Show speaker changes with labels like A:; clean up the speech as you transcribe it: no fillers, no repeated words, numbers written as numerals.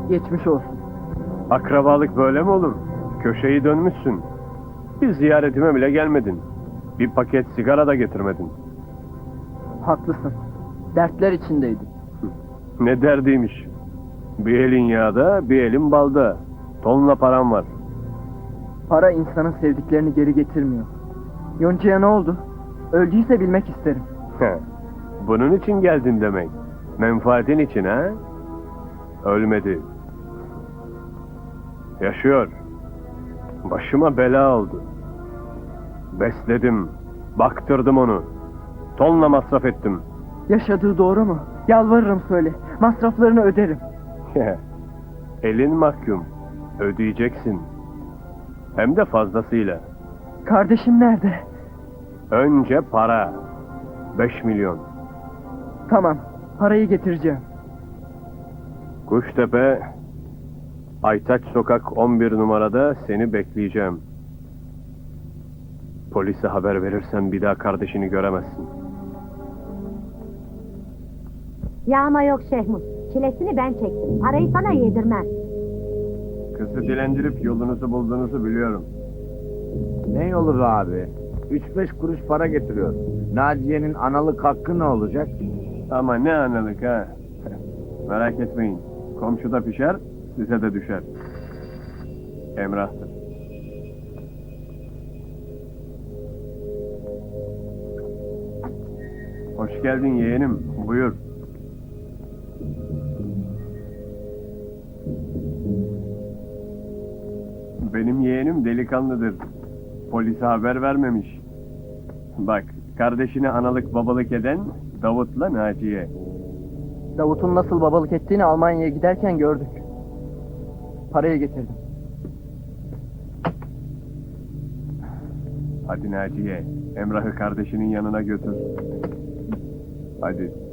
A: Geçmiş olsun.
B: Akrabalık böyle mi olur? Köşeyi dönmüşsün. Bir ziyaretime bile gelmedin. Bir paket sigara da getirmedin.
A: Haklısın. Dertler içindeydim.
B: Ne derdiymiş. Bir elin yağda, bir elin balda. Tonla param var.
A: Para insanın sevdiklerini geri getirmiyor. Yonca'ya ne oldu? Öldüyse bilmek isterim.
B: Bunun için geldin demek. Menfaatin için ha? Ölmedi. Yaşıyor. Başıma bela oldu. Besledim, baktırdım onu. Tonla masraf ettim.
A: Yaşadığı doğru mu? Yalvarırım söyle. Masraflarını öderim.
B: Elin mahkum. Ödeyeceksin. Hem de fazlasıyla.
A: Kardeşim nerede?
B: Önce para. 5 milyon.
A: Tamam. Parayı getireceğim.
B: Kuştepe, Aytaç Sokak 11 numarada seni bekleyeceğim. Polise haber verirsen bir daha kardeşini göremezsin.
C: Yağma yok Şehmuz. Çilesini ben çektim. Parayı sana yedirmem.
B: Kızı dilendirip yolunuzu bulduğunuzu biliyorum.
D: Ne yolu be abi? 3-5 kuruş para getiriyor. Naciye'nin analık hakkı ne olacak?
B: Ama ne analık ha. Merak etmeyin. Komşuda pişer, size de düşer. Emrah'tır. Hoş geldin yeğenim. Buyur. Benim yeğenim delikanlıdır. Polise haber vermemiş. Bak, kardeşine analık babalık eden Davut'la Naciye.
A: Davut'un nasıl babalık ettiğini Almanya'ya giderken gördük. Parayı getirdim.
B: Hadi Naciye, Emrah'ı kardeşinin yanına götür. Hadi.